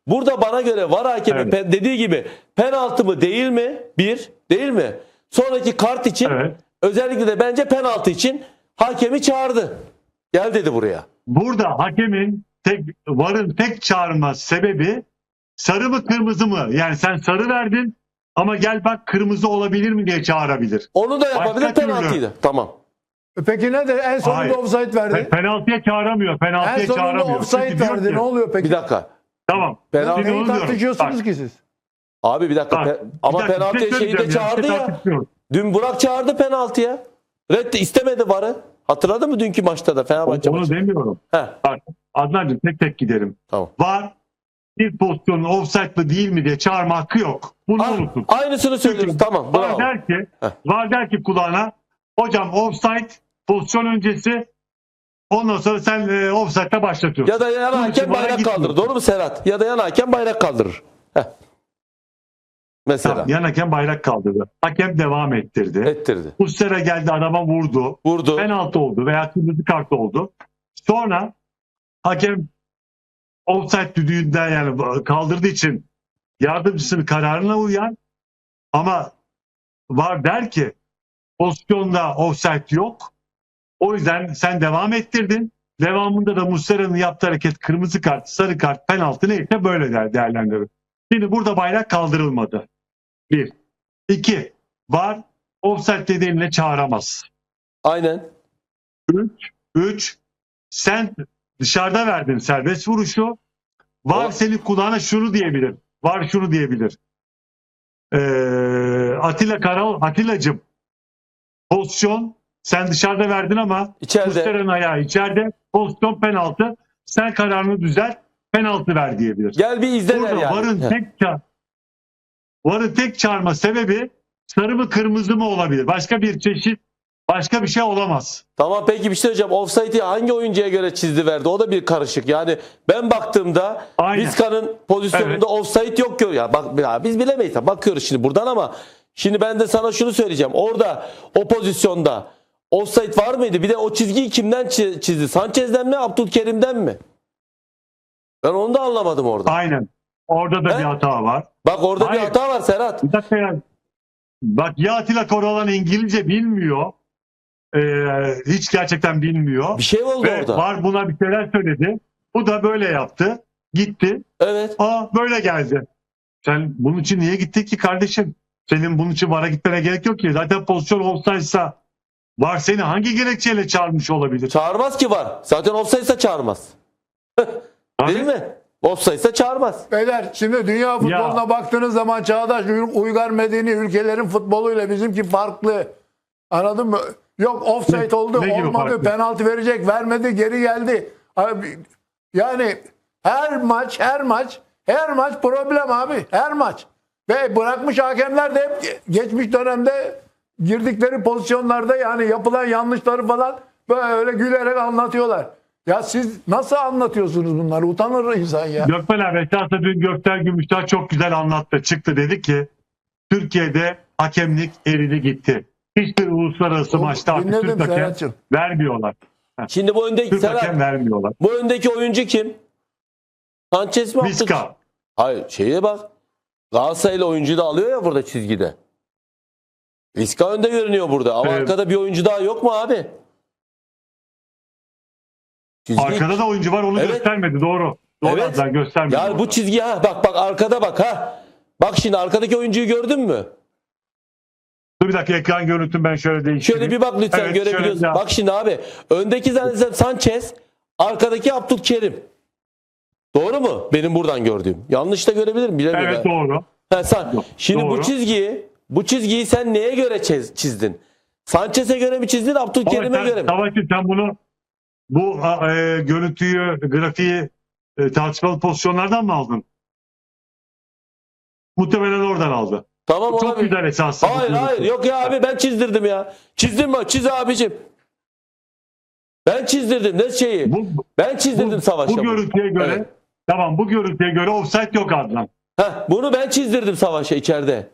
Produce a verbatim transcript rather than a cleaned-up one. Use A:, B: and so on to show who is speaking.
A: Burada bana göre var hakemi
B: Evet.
A: pe- dediği gibi penaltı mı değil mi? Bir, değil mi? Sonraki kart için
B: Evet.
A: özellikle de bence penaltı için hakemi çağırdı. Gel dedi buraya.
B: Burada hakemin tek varın tek çağırma sebebi sarı mı kırmızı mı? Yani sen sarı verdin ama gel bak kırmızı olabilir mi diye çağırabilir.
A: Onu da yapabilir,
B: Başka türlü.
A: penaltıydı. Tamam.
C: Peki ne de en sonunda
B: Hayır.
C: offside verdi.
B: Pe- Penaltıya çağıramıyor.
C: En
B: Penaltıya
C: sonunda
B: çağıramıyor.
C: offside
B: Çünkü diyor
C: verdi.
B: ki-
C: Ne oluyor peki?
A: Bir dakika.
B: Tamam.
A: Penaltı-
B: Şimdi
C: Neyi
B: onu diyorum.
C: tartışıyorsunuz
B: Bak,
C: ki siz?
A: Abi bir dakika.
B: bak,
A: pe-
B: bir
A: ama
B: dakika, bir şey
A: penaltıya şeyi de
B: söyleyeceğim ya,
A: çağırdı
B: bir şey
A: ya.
B: tartışmıyoruz.
A: Dün Burak çağırdı penaltıya. Red istemedi varı. Hatırladın mı dünkü maçta da Fenerbahçe
B: Onu
A: maçı?
B: demiyorum.
A: Heh,
B: Bak Adnancığım tek tek giderim.
A: tamam.
B: Var bir pozisyonun offside mı değil mi diye çağırma hakkı yok. Bunu
A: A-
B: unutun.
A: Aynısını söylüyoruz.
B: Çünkü
A: Tamam.
B: Var
A: Bravo.
B: der ki,
A: Heh.
B: var der ki kulağına hocam offside pozisyon öncesi ondan sonra sen e, offside'da başlatıyorsun.
A: Ya da yan
B: Bunun için
A: hakem
B: bana
A: bayrak
B: gitmiyor.
A: kaldırır. Doğru mu Serhat? Ya da yan hakem bayrak kaldırır. Heh. Mesela.
B: Tamam, yan hakem bayrak kaldırdı. Hakem devam ettirdi.
A: Ettirdi.
B: Muslera geldi adama vurdu.
A: Vurdu.
B: Penaltı oldu veya kırmızı kart oldu. Sonra hakem offside düdüğünden yani kaldırdığı için yardımcısının kararına uyar ama var der ki pozisyonda offside yok. O yüzden sen devam ettirdin. Devamında da Muslera'nın yaptığı hareket kırmızı kart, sarı kart, penaltı neyse böyle der değerlendirir. Şimdi burada bayrak kaldırılmadı. Bir. İki. Var offside dediğinle çağıramaz.
A: Aynen.
B: Üç. Üç. Sen dışarıda verdin serbest vuruşu. Var
A: O-
B: senin kulağına şunu diyebilir. Var şunu diyebilir. Ee, Atilla Karal, Atilla'cığım pozisyon sen dışarıda verdin ama
A: İçeride.
B: Muslera'nın ayağı içeride. Pozisyon penaltı. Sen kararını düzelt. Penaltı ver diyebilir.
A: Gel bir izle der
B: Burada
A: yani.
B: varın
A: Heh.
B: tek ça- varın tek çağırma sebebi sarı mı kırmızı mı olabilir. Başka bir çeşit başka bir şey olamaz.
A: Tamam peki bir şey hocam. Offside'i hangi oyuncuya göre çizdi verdi? O da bir karışık. Yani ben baktığımda
B: Aynen.
A: Vizca'nın pozisyonunda
B: Evet.
A: offside yok ki. Ya bak ya biz bilemeyiz. Bakıyoruz şimdi buradan ama şimdi ben de sana şunu söyleyeceğim. Orada o pozisyonda offside var mıydı? Bir de o çizgiyi kimden çi- çizdi? Sanchez'den mi, Abdülkerim'den mi? Ben onu da anlamadım orada.
B: Aynen. Orada da
A: He?
B: bir hata var.
A: Bak orada
B: Hayır.
A: bir hata var Serhat.
B: Bir dakika ya. Bak ya Atilla Koralan İngilizce bilmiyor. Ee, hiç gerçekten bilmiyor.
A: Bir şey oldu
B: Ve
A: orada.
B: var buna bir şeyler söyledi. Bu da böyle yaptı. Gitti.
A: Evet.
B: Aa böyle geldi. Sen bunun için niye gittin ki kardeşim? Senin bunun için VAR'a gitmene gerek yok ki. Zaten pozisyon olsaysa VAR seni hangi gerekçeyle çağırmış olabilir?
A: Çağırmaz ki var. Zaten offside'sa çağırmaz. Değil mi? Offside'sa çağırmaz.
C: Beyler şimdi dünya futboluna
B: Ya.
C: baktığınız zaman çağdaş uygar medeni ülkelerin futboluyla bizimki farklı. Anladın mı? Yok offside
B: Ne-
C: oldu,
B: ne gibi
C: olmadı,
B: farklı?
C: penaltı verecek, vermedi, geri geldi. Abi, yani her maç, her maç, her maç problem abi. Her maç. Ve bırakmış hakemler de hep geçmiş dönemde girdikleri pozisyonlarda yani yapılan yanlışları falan böyle gülerek anlatıyorlar. Ya siz nasıl anlatıyorsunuz bunları? Utanır insan ya.
B: Gökmen abi esasında dün Gökten Gümüşler çok güzel anlattı. Çıktı dedi ki Türkiye'de hakemlik eridi gitti. Hiçbir uluslararası maçta artık
C: Dinledim
B: Türk hakem
C: Serhat'cığım.
B: vermiyorlar.
A: Şimdi bu öndeki
B: Türk
A: Serhat,
B: hakem vermiyorlar.
A: bu öndeki oyuncu kim? Sanchez mi? Abdül-
B: Vizca.
A: Hayır şeye bak. Galatasaraylı oyuncu da alıyor ya burada çizgide. Vizca önde görünüyor burada. Ama
B: Evet.
A: arkada bir oyuncu daha yok mu abi? Çizgi...
B: Arkada da oyuncu var onu
A: Evet.
B: göstermedi doğru. Doğru
A: Evet.
B: Adnan, göstermedi.
A: Yani bu
B: orada.
A: çizgi ha bak bak arkada bak ha. Bak şimdi arkadaki oyuncuyu gördün mü?
B: Dur bir dakika ekran görüntüm ben şöyle değiştireyim.
A: Şöyle bir bak lütfen
B: Evet,
A: görebiliyorsun.
B: şöyle bir-
A: Bak şimdi abi. Öndeki zannedersem Sanchez, arkadaki Abdülkerim. Doğru mu? Benim buradan gördüğüm. Yanlış da görebilirim bilemiyorum.
B: Evet doğru.
A: Ha, sen,
B: Yok,
A: şimdi bu
B: doğru.
A: çizgiyi bu çizgiyi sen neye göre çiz- çizdin? Sanchez'e göre mi çizdin,
B: Ama
A: Abdülkerim'e
B: sen,
A: göre mi?
B: Savaşçı sen bunu bu a, e, görüntüyü, grafiği e, tartışmalı pozisyonlardan mı aldın? Muhtemelen oradan aldı.
A: Tamam
B: Çok
A: olabilir.
B: güzel esasında.
A: Hayır hayır yok ya abi ben çizdirdim ya. Çizdim mi? Çiz abicim. Ben çizdirdim ne şeyi?
B: Bu,
A: Ben çizdirdim
B: bu,
A: Savaş'a.
B: bu görüntüye göre
A: Evet.
B: tamam bu görüntüye göre offside yok Adnan.
A: Heh, bunu ben çizdirdim Savaş'a içeride.